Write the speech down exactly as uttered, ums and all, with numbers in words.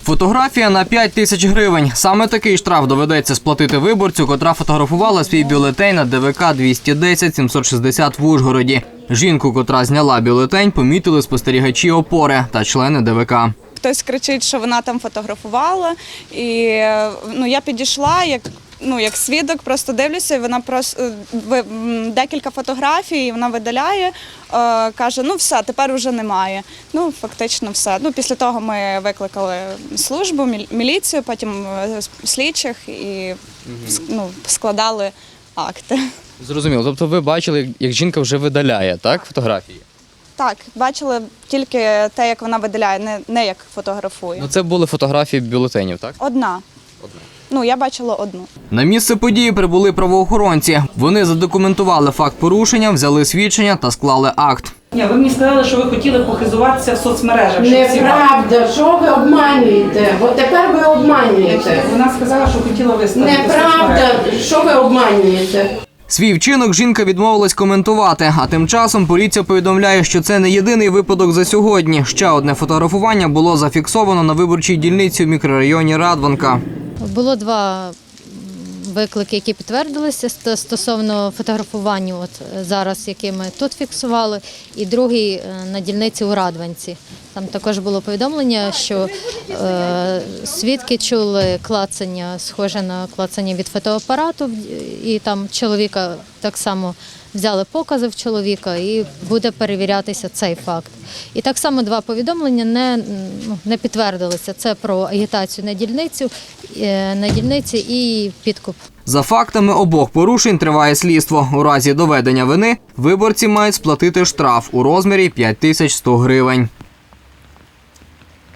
Фотографія на п'ять тисяч гривень. Саме такий штраф доведеться сплатити виборцю, котра фотографувала свій бюлетень на Де Ве Ка двісті десять сімсот шістдесят в Ужгороді. Жінку, котра зняла бюлетень, помітили спостерігачі опори та члени Де Ве Ка. Хтось кричить, що вона там фотографувала, і ну, я підійшла, як, ну, як свідок, просто дивлюся, і вона просто декілька фотографій, вона видаляє, е, каже, ну все, тепер вже немає. Ну, фактично все. Ну, після того ми викликали службу, міліцію, потім слідчих і ну, складали акти. Зрозуміло. Тобто ви бачили, як жінка вже видаляє, так, фотографії? Так, бачили тільки те, як вона видаляє, не, не як фотографує. Ну, це були фотографії бюлетенів, так? Одна. Одна. Ну, я бачила одну. На місце події прибули правоохоронці. Вони задокументували факт порушення, взяли свідчення та склали акт. Ні, ви мені сказали, що ви хотіли похизуватися в соцмережах. Неправда, що ви обманюєте? От тепер ви обманюєте. Вона сказала, що хотіла виставити. Неправда, що ви обманюєте? Свій вчинок жінка відмовилась коментувати, а тим часом поліція повідомляє, що це не єдиний випадок за сьогодні. Ще одне фотографування було зафіксовано на виборчій дільниці в мікрорайоні Радванка. Було два виклики, які підтвердилися стосовно фотографування, от зараз, які ми тут фіксували, і другий на дільниці у Радванці. Там також було повідомлення, що е, свідки чули клацання, схоже на клацання від фотоапарату, і там чоловіка так само взяли покази в чоловіка і буде перевірятися цей факт. І так само два повідомлення не, ну, не підтвердилися. Це про агітацію на дільницю, на дільниці і підкуп. За фактами обох порушень триває слідство. У разі доведення вини виборці мають сплатити штраф у розмірі п'ять тисяч сто гривень.